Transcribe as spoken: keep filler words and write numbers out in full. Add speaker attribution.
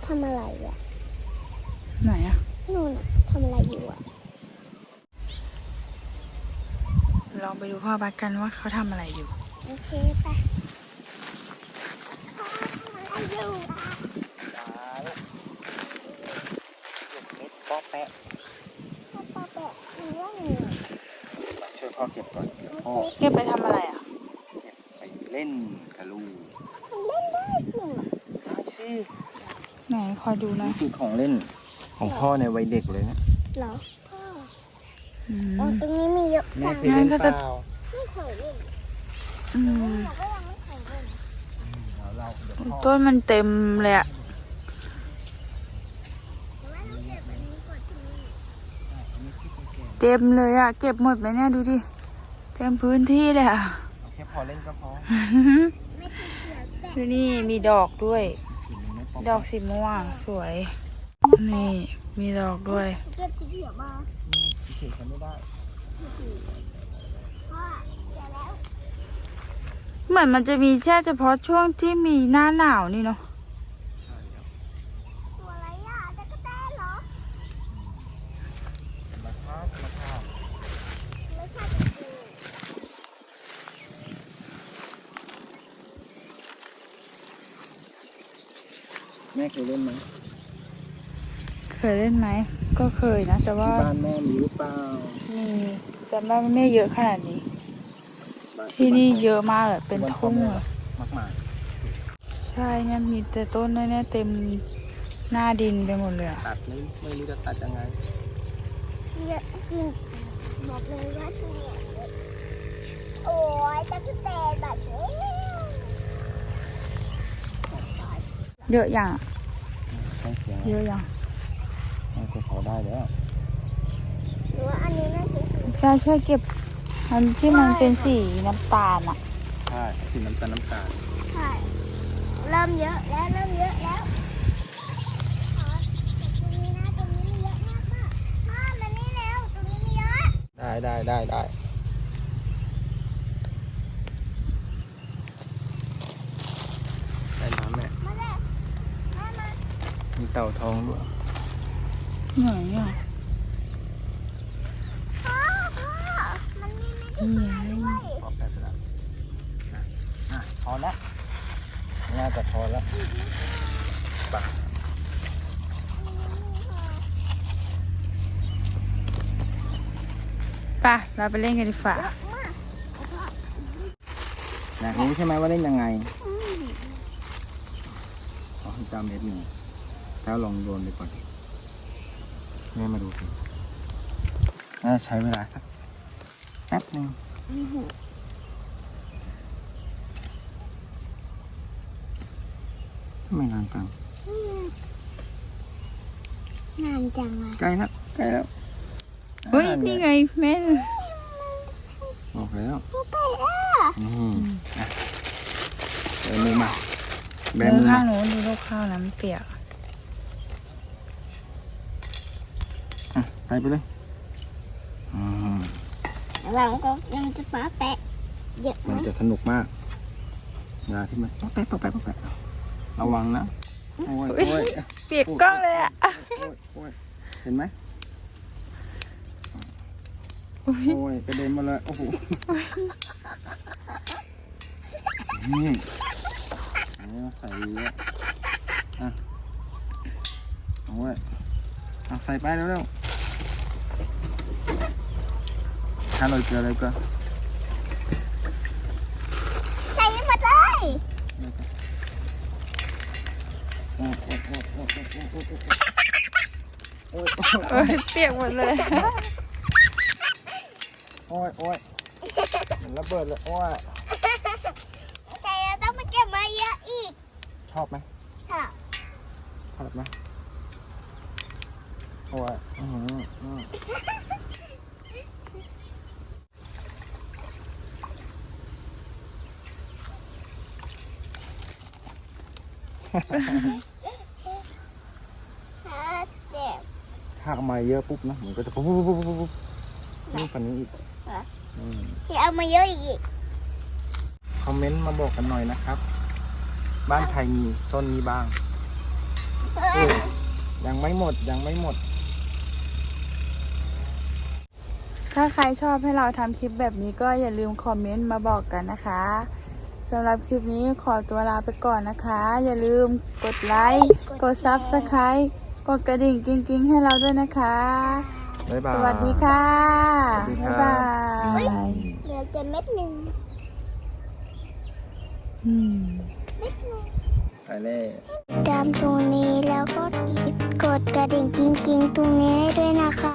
Speaker 1: ทำอะไรอ่ะ
Speaker 2: ไหนอะ
Speaker 1: นู่นอะทำอะไรอยู่อ่ะ
Speaker 2: ลองไปดูพ่อบัสกันว่าเขาทำอะไรอยู่
Speaker 1: โอเคไปพ่อทำอะไรอยู่อ่ะ
Speaker 3: เก็บเม็ดป๊อแปะ
Speaker 1: พ่อปอแปะทำเรื่องอะไร
Speaker 3: ช่วยพ่อเก็บก่อนเดี๋ยวพ่อ
Speaker 2: เก็บไปทำอะไรอะ
Speaker 3: เก็บไปเล่นกับลูก
Speaker 1: มันเล่นได้จริงเหรอ
Speaker 3: ได้สิ
Speaker 2: ไหนคอยดูนะ
Speaker 3: นี่คือของเล่นของพ่อในวัยเด็กเลยนะ
Speaker 1: เหรอพ่อ
Speaker 2: อื
Speaker 1: อ๋อ
Speaker 2: ม
Speaker 1: ตรงนี้มีเยอะ
Speaker 3: แม่
Speaker 1: จัง
Speaker 3: เคยเล่นเปล่า
Speaker 1: ไม่เคยเล่น
Speaker 2: อืม
Speaker 1: เราก็ยังไม่เคยเล่น
Speaker 3: เดี๋ยวเราเดี๋ยวพ่อ
Speaker 2: ต้นมันเต็มเลยอะ
Speaker 1: แต่ว่าเราเก็บอันนี้ก่อนที่นี่
Speaker 3: อันนี้ที่แก่
Speaker 2: เต็มเลยอะเก็บหมดไหมเนี่ยดูดิเต็มพื้นที่เลยอะ
Speaker 3: เอาแค่พอเล่นก็พอ
Speaker 1: ไม่ติดเสียแปะ
Speaker 2: ดูนี่มีดอกด้วย
Speaker 3: ถึงไม่ป๊อ
Speaker 2: ดอกสีม่วงสวย นี่มีดอกด้วย
Speaker 1: เก็บสีเขียวมา
Speaker 3: นี่เฉยๆทำไม่ได้
Speaker 1: พ่อเดี๋ยวแล้ว
Speaker 2: เหมือนมันจะมีแค่เฉพาะช่วงที่มีหน้าหนาวนี่เนาะ
Speaker 1: ตัวอะไรอ่ะจะกระแตเหรอ
Speaker 3: มาทามาทา
Speaker 1: ไม่ใช่จริง
Speaker 3: แม่เคยเล่นไหม
Speaker 2: เคยเล่นไหมก็เคยนะแต่ว่า
Speaker 3: ที่บ้านแม่มีหรือเปล่า
Speaker 2: มีแต่ว่าไม่เยอะขนาดนี้
Speaker 3: บ้า
Speaker 2: ที่นี่เยอะมากเลยเป็น
Speaker 3: ที่บ้า
Speaker 2: ทุ่ง
Speaker 3: พ่อ
Speaker 2: เล
Speaker 3: แม่
Speaker 2: ย
Speaker 3: มากมาย
Speaker 2: ใช่เนี่ยมีแต่ต้นเนี่ยเต็มหน้าดินไปหมดเลยอะ
Speaker 3: ตัดไม่ไม่รู้จะตัดยังไง
Speaker 1: เยอะจริงบอกเลยว่าที่เนี่ยเยอะโอ้ยจะกระแตแบบนี้
Speaker 2: เยอะอย่างอะ
Speaker 3: ใช่เสียง
Speaker 2: เยอะอย่าง
Speaker 3: น่าจะพอได้แล้ว
Speaker 1: หรือว่าอันนี้น่าจะคือ
Speaker 2: ใช่ช่วยเก็บมันที่มันเป็นสีน้ำตาลอะ
Speaker 3: ใช่สีน้ำตาลน้ำตาล
Speaker 1: ใช่เริ่มเยอะแล้วเริ่มเยอะแล้วอ๋อตรงนี้นะตรงนี้มีเยอะมากค่ะพ่อมานี่แล้วตรงนี้มีเยอะ
Speaker 3: ได้ได้ได้ได้ได้น้ำแม่
Speaker 1: มาเลยมามา
Speaker 3: มีเต่าทองด้วย
Speaker 2: ไหนอะ
Speaker 1: พ่อพ่อมันมีไม่
Speaker 2: นี่
Speaker 1: ได้
Speaker 2: ไง
Speaker 1: ด้วย
Speaker 3: พอแป๊บแล้วอ่ะอ่ะพอแล้วน่าจะพอแล้วไป
Speaker 2: ไปเราไปเล่นกันดีกว่า
Speaker 3: อยากรู้ใช่ไหมว่าเล่นยังไง
Speaker 1: อืม
Speaker 3: ขอให้จำเม็ดหนึ่งแล้วลองโยนไปก่อนแม่มาดูสิน่าจะใช้เวลาสักแป๊บหนึ่ง
Speaker 1: อืม
Speaker 3: ทำไมนานจัง
Speaker 1: นานจังเลย
Speaker 3: ใกล้แล้วใกล้แล้ว
Speaker 2: เฮ้ยนี่ไงแม่
Speaker 3: บอกแล้ว
Speaker 1: พ่อไปอ่ะ
Speaker 3: นี่อ่ะเดินมือมาแบ
Speaker 2: มื
Speaker 3: มื
Speaker 2: อ
Speaker 3: อ
Speaker 2: ข้าง
Speaker 3: มา
Speaker 2: หนูดูลูกข้าวน้ำเปียก
Speaker 3: อ่ะไปไปเลยอืม
Speaker 1: เราก็ยังจะป้าแปะเยอะไหม
Speaker 3: มันจะสนุกมากเวลาที่มันป๊อปแป๊ะป๊อปแป๊ะป๊อปแป๊ะระวังนะโอ้ยโอ้ย
Speaker 2: เปียกกล้องเลยอะ
Speaker 3: โอ้ยโอ้ยเห็นไหม
Speaker 2: อุ๊ย
Speaker 3: โอ้ยกระเด็นมาเลยโอ้โหนี่อันนี้เราใส่เยอะอ่ะโอ้ยเอาใส่ไปเร็วๆถ้าเราเจออะไรก็
Speaker 1: ใส่หมดเลย
Speaker 3: โอ้ยโอ้ยโอ้ยโอ้ยโอ้ยโอ้ยโอ้ย
Speaker 2: เอ้ยเปียกหมดเลย
Speaker 3: โอ้ยโอ้ยมันระเบิดเลยโอ้ย
Speaker 1: แต่เราต้องมาเก็บมาเยอะอีก
Speaker 3: ชอบไหม
Speaker 1: ค่ะ
Speaker 3: ชอบไหมโอ้ยอื้อหืออื้อ
Speaker 1: ถ้าเจ็บ
Speaker 3: ถ้าเอามาเยอะปุ๊บนะมันก็จะปุ๊บปุ๊บปุ๊บปุ๊บปุ๊บนี่ฝันนี้อีกอืม
Speaker 1: ที่เอามาเยอะอีก
Speaker 3: คอมเมนต์มาบอกกันหน่อยนะครับ บ้านใครมีต้นนี้บ้าง
Speaker 1: ต
Speaker 3: ยังไม่หมดยังไม่หมด
Speaker 2: ถ้าใครชอบให้เราทำคลิปแบบนี้ก็อย่าลืมคอมเมนต์มาบอกกันนะคะสำหรับคลิปนี้ขอตัวลาไปก่อนนะคะ อย่าลืมกดไลค์ กด ซับสไครบ์ กดกระดิ่งกิ้งๆให้เราด้วยนะคะ
Speaker 3: บ๊ายบาย
Speaker 2: สวัสดีค่ะ
Speaker 3: สวัสดี
Speaker 2: บ๊าย
Speaker 3: ครับ
Speaker 2: บาย
Speaker 1: เหลือแต่เม็ดหนึ่ง
Speaker 2: อืม
Speaker 1: เม็ดหนึ่ง
Speaker 3: ไปเลย
Speaker 1: ตามตรงนี้แล้วก็กดกระดิ่งกิ้งๆตรงนี้ให้ด้วยนะคะ